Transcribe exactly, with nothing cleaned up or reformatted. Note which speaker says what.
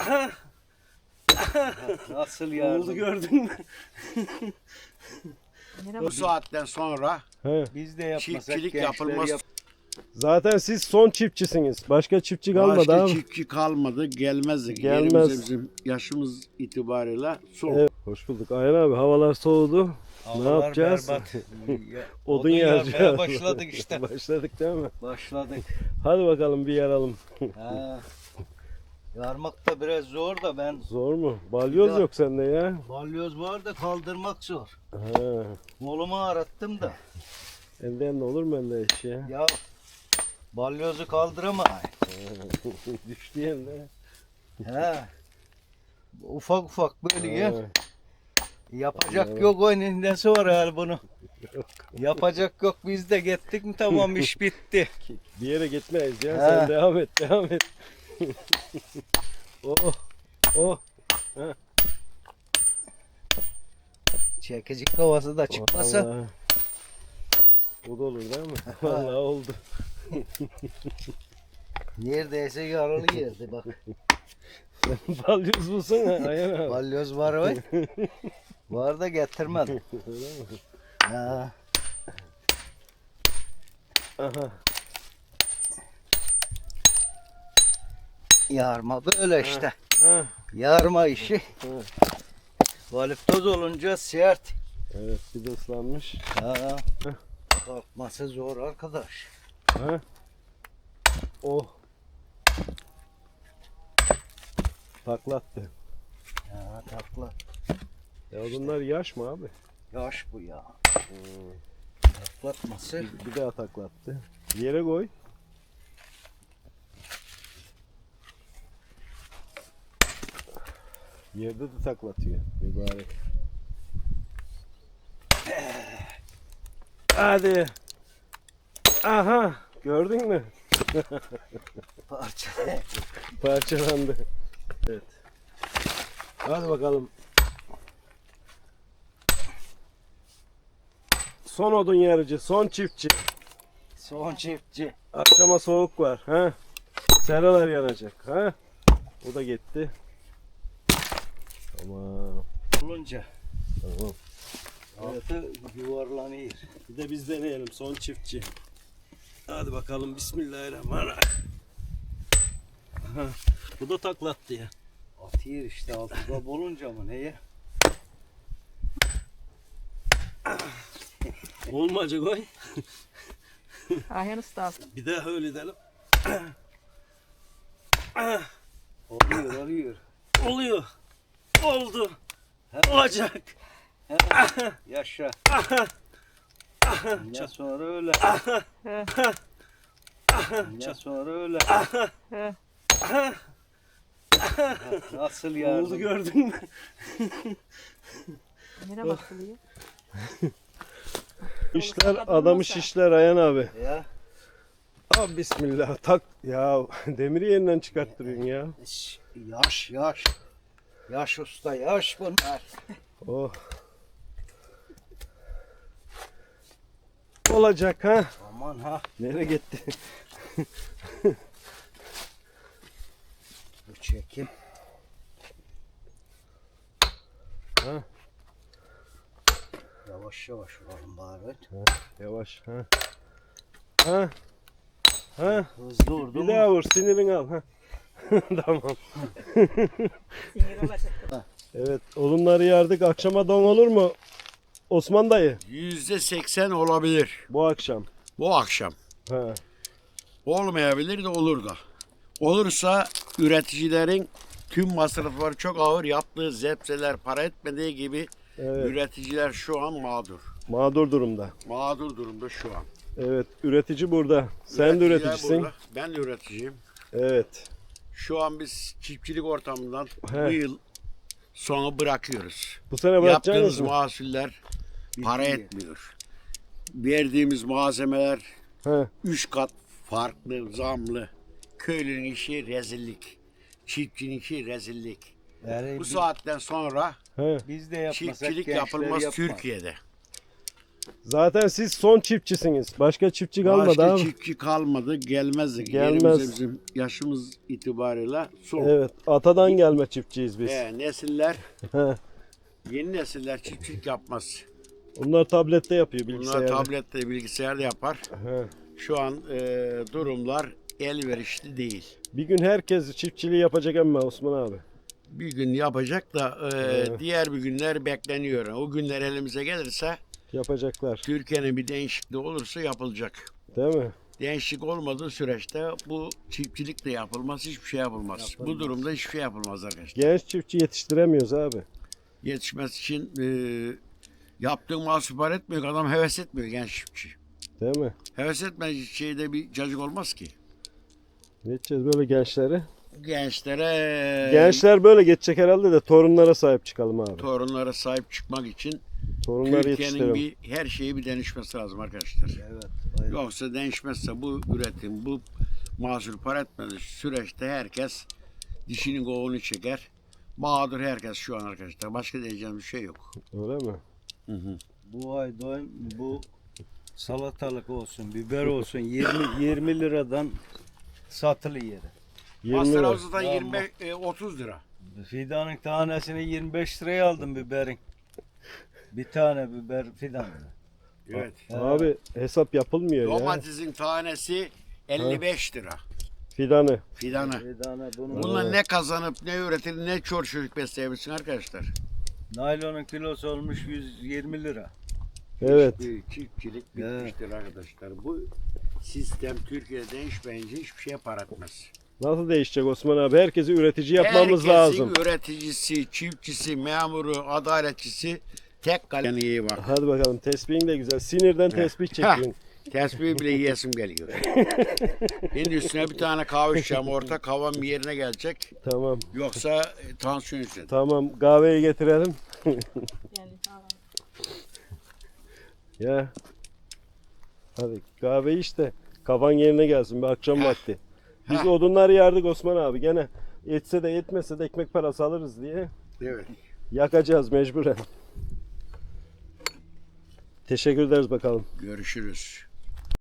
Speaker 1: Nasıl yardım?
Speaker 2: Oldu gördün mü?
Speaker 3: Merhaba.
Speaker 4: Bu saatten sonra
Speaker 2: He.
Speaker 1: Biz de yapmasak
Speaker 4: çiftçilik
Speaker 1: gençler
Speaker 4: yapılmaz.
Speaker 1: yap-
Speaker 2: Zaten siz son çiftçisiniz. Başka çiftçi kalmadı
Speaker 4: Başka
Speaker 2: abi.
Speaker 4: çiftçi kalmadı, gelmezdik.
Speaker 2: Gelmez.
Speaker 4: Yerimize bizim yaşımız itibariyle soğuk.
Speaker 2: Evet, hoş bulduk. Ayhan abi havalar soğudu.
Speaker 1: Havalar
Speaker 2: ne yapacağız?
Speaker 1: berbat. Ya,
Speaker 2: Odun
Speaker 1: yakmaya
Speaker 2: yaracağız.
Speaker 1: başladık işte.
Speaker 2: Başladık değil mi?
Speaker 1: Başladık.
Speaker 2: Hadi bakalım bir yaralım.
Speaker 1: Ha. Yarmak da biraz zor da ben
Speaker 2: Zor mu? Balyoz
Speaker 1: Ya.
Speaker 2: yok sende ya.
Speaker 1: balyoz var da kaldırmak zor.
Speaker 2: Ha.
Speaker 1: Kolumu arattım da.
Speaker 2: Elden de olur mu elde iş ya?
Speaker 1: Ya balyozu kaldıramayın.
Speaker 2: Düştü yerine.
Speaker 1: He. Ufak ufak böyle ya.
Speaker 2: Ha.
Speaker 1: Yapacak
Speaker 2: Evet.
Speaker 1: yok oyunun nesi var hal bunu. Yapacak yok biz de gittik mi tamam iş bitti.
Speaker 2: Bir yere gitmeyiz ya.
Speaker 1: He.
Speaker 2: Sen devam et, devam et. oh, oh.
Speaker 1: Çekici havası da çıkmasa.
Speaker 2: Vallahi. O da olur değil mi? Vallahi oldu.
Speaker 1: Neredeyse yaralı yerdi bak.
Speaker 2: Balyoz bulsana Ayhan abi.
Speaker 1: Balyoz var var. Var da getirmedim.
Speaker 2: Öyle mi?
Speaker 1: Ha.
Speaker 2: Aha.
Speaker 1: Yarma böyle işte.
Speaker 2: Ha.
Speaker 1: Yarma işi.
Speaker 2: Ha.
Speaker 1: Valiptoz olunca sert.
Speaker 2: Evet, bir de ıslanmış.
Speaker 1: Ha. Kalkması zor arkadaş.
Speaker 2: Ha. Oh. Taklattı.
Speaker 1: Ya takla.
Speaker 2: Ya bunlar yaş mı abi?
Speaker 1: Yaş bu ya.
Speaker 2: Hmm.
Speaker 1: Taklatması.
Speaker 2: Bir daha taklattı. Yere koy. Yerde de taklatıyor. Mübarek. Hadi. Aha. Gördün mü?
Speaker 1: Parça.
Speaker 2: Parçalandı. Evet. Hadi bakalım. Son odun yarıcı, son çiftçi.
Speaker 1: Son çiftçi.
Speaker 2: Akşama soğuk var. Ha? Seralar yanacak. Ha? O da gitti. Tamam.
Speaker 1: Olunca
Speaker 2: Tamam.
Speaker 1: altı yuvarlanıyor.
Speaker 2: Bir de biz deneyelim son çiftçi. Hadi bakalım bismillahirrahmanirrahim. Aha, bu da taklattı ya.
Speaker 1: Atıyor işte altıda bulunca mı neye?
Speaker 2: Olmayacak oy.
Speaker 3: Ayhan Usta.
Speaker 2: Bir daha öyle edelim.
Speaker 1: Oluyor oluyor.
Speaker 2: Oluyor. Oldu.
Speaker 1: He.
Speaker 2: Olacak.
Speaker 1: He. Yaşa. Ne sonra öyle.
Speaker 3: He.
Speaker 1: Ne sonra öyle.
Speaker 3: He.
Speaker 1: Nasıl yardım?
Speaker 2: Oldu gördün mü?
Speaker 3: Nereye bakılıyor?
Speaker 2: İşler adamı şişler Ayhan abi.
Speaker 1: Ya.
Speaker 2: Abi bismillah tak. Ya demiri yerinden çıkarttırıyorsun ya.
Speaker 1: Şş, Yaş yaş. Yaş usta yaş bunlar.
Speaker 2: Oh. Olacak ha.
Speaker 1: Aman ha.
Speaker 2: Nereye gitti?
Speaker 1: Bu çekim.
Speaker 2: Ha.
Speaker 1: Yavaş yavaş olalım bari.
Speaker 2: Yavaş ha. Ha. Ha.
Speaker 1: Hızlı vurdu
Speaker 2: Bir
Speaker 1: mu?
Speaker 2: daha vur sinirini al ha. Tamam.
Speaker 3: Sinir olacak.
Speaker 2: Evet odunları yardık. Akşama don olur mu? Osman dayı
Speaker 4: Yüzde seksen olabilir
Speaker 2: bu akşam.
Speaker 4: bu akşam.
Speaker 2: Ha.
Speaker 4: Olmayabilir de olur da. Olursa üreticilerin tüm masrafları çok ağır yaptığı zepseler para etmediği gibi
Speaker 2: Evet.
Speaker 4: üreticiler şu an mağdur.
Speaker 2: Mağdur durumda.
Speaker 4: Mağdur durumda şu an.
Speaker 2: Evet üretici burada. Sen de
Speaker 4: Üreticiler
Speaker 2: üreticisin.
Speaker 4: burada. Ben de üreticiyim.
Speaker 2: Evet.
Speaker 4: Şu an biz çiftçilik ortamından
Speaker 2: He.
Speaker 4: bu yıl sonu bırakıyoruz.
Speaker 2: Bu sene bırakacaksınız
Speaker 4: Yaptığımız
Speaker 2: mı?
Speaker 4: mahsuller para
Speaker 1: Bitmiyor.
Speaker 4: etmiyor. Verdiğimiz malzemeler
Speaker 2: He.
Speaker 4: üç kat farklı, zamlı. Köylünün işi rezillik. Çiftçinin işi rezillik.
Speaker 1: Yani
Speaker 4: Bu
Speaker 1: bi-
Speaker 4: saatten sonra
Speaker 2: He.
Speaker 1: biz de yapmasak
Speaker 4: çiftçilik
Speaker 1: gençler
Speaker 4: yapılmaz
Speaker 1: yapmaz.
Speaker 4: Türkiye'de.
Speaker 2: Zaten siz son çiftçisiniz. Başka çiftçi kalmadı
Speaker 4: Başka
Speaker 2: abi.
Speaker 4: çiftçi kalmadı, gelmezdi.
Speaker 2: Gelmez.
Speaker 4: Yerimize bizim yaşımız itibariyle son.
Speaker 2: Evet, atadan gelme çiftçiyiz biz.
Speaker 4: He, nesiller,
Speaker 2: He.
Speaker 4: yeni nesiller çiftçilik yapmaz.
Speaker 2: Onlar tablette yapıyor
Speaker 4: Bunlar
Speaker 2: bilgisayarda.
Speaker 4: tablette, bilgisayarda yapar.
Speaker 2: He.
Speaker 4: Şu an e, durumlar elverişli değil.
Speaker 2: Bir gün herkes çiftçiliği yapacak ama Osman abi.
Speaker 4: Bir gün yapacak da e,
Speaker 2: Evet.
Speaker 4: diğer bir günler bekleniyor. O günler elimize gelirse
Speaker 2: Yapacaklar.
Speaker 4: Türkiye'nin bir değişikliği olursa yapılacak.
Speaker 2: Değil mi?
Speaker 4: Değişiklik olmadığı süreçte bu çiftçilik de yapılmaz, hiçbir şey yapılmaz. Bu durumda hiçbir şey yapılmaz arkadaşlar.
Speaker 2: Genç çiftçi yetiştiremiyoruz abi.
Speaker 4: Yetişmesi için e, yaptığın mal süper etmiyor, adam heves etmiyor genç çiftçi.
Speaker 2: Değil mi?
Speaker 4: Heves etmediği şeyde bir cacık olmaz ki.
Speaker 2: Ne edeceğiz böyle gençleri?
Speaker 4: Gençlere,
Speaker 2: Gençler böyle geçecek herhalde de torunlara sahip çıkalım abi.
Speaker 4: torunlara sahip çıkmak için
Speaker 2: Torunları
Speaker 4: Türkiye'nin
Speaker 2: yetiştirelim.
Speaker 4: bir her şeyi bir değişmesi lazım arkadaşlar.
Speaker 1: Evet. aynen.
Speaker 4: Yoksa değişmezse bu üretim, bu mahsul para etmediği süreçte herkes dişinin kovuğunu çeker. Mağdur herkes şu an arkadaşlar. Başka diyeceğim bir şey yok.
Speaker 2: Öyle mi?
Speaker 4: Hı hı.
Speaker 1: Bu ay doyum bu salatalık olsun, biber olsun yirmi yirmi liradan satılıyor.
Speaker 2: yirmi
Speaker 4: Master
Speaker 2: lira.
Speaker 4: House'dan
Speaker 1: Ya
Speaker 4: yirmi beş, e, otuz lira.
Speaker 1: Fidanın tanesini yirmi beş liraya aldım biberin. Bir tane biber fidanı.
Speaker 4: Evet.
Speaker 2: Abi hesap yapılmıyor ya.
Speaker 4: Domatesin tanesi elli beş lira.
Speaker 2: Fidanı.
Speaker 4: Fidanı.
Speaker 1: Fidana bunu.
Speaker 4: Bununla ne kazanıp ne üretir ne çor çocuk besleyebilirsin arkadaşlar.
Speaker 1: Naylonun kilosu olmuş yüz yirmi lira.
Speaker 2: Evet.
Speaker 4: Bir çiftçilik
Speaker 1: Evet.
Speaker 4: bitmiştir arkadaşlar. Bu sistem Türkiye'de değişmeyince hiçbir şeye para etmez.
Speaker 2: Nasıl değişecek Osman abi? Herkesi üretici yapmamız
Speaker 4: Herkesin
Speaker 2: lazım.
Speaker 4: üreticisi, çiftçisi, memuru, adaletçisi tek kalem iyi bak.
Speaker 2: Hadi bakalım tespihin de güzel. Sinirden tesbih çekiyorsun.
Speaker 4: Tesbih bile yiyesim geliyor. Şimdi üstüne bir tane kahve içeceğim. Orta kahvam bir yerine gelecek.
Speaker 2: Tamam.
Speaker 4: Yoksa e, tansiyon yükselir.
Speaker 2: Tamam kahveyi getirelim.
Speaker 3: Yani tamam.
Speaker 2: Ya. Hadi kahve işte. Kafan yerine gelsin bir akşam
Speaker 4: Heh.
Speaker 2: vakti. Biz
Speaker 4: Heh.
Speaker 2: odunları yardık Osman abi. Gene etse de yetmese de ekmek parası alırız diye.
Speaker 4: Evet.
Speaker 2: Yakacağız mecburen. Teşekkür ederiz bakalım.
Speaker 4: Görüşürüz.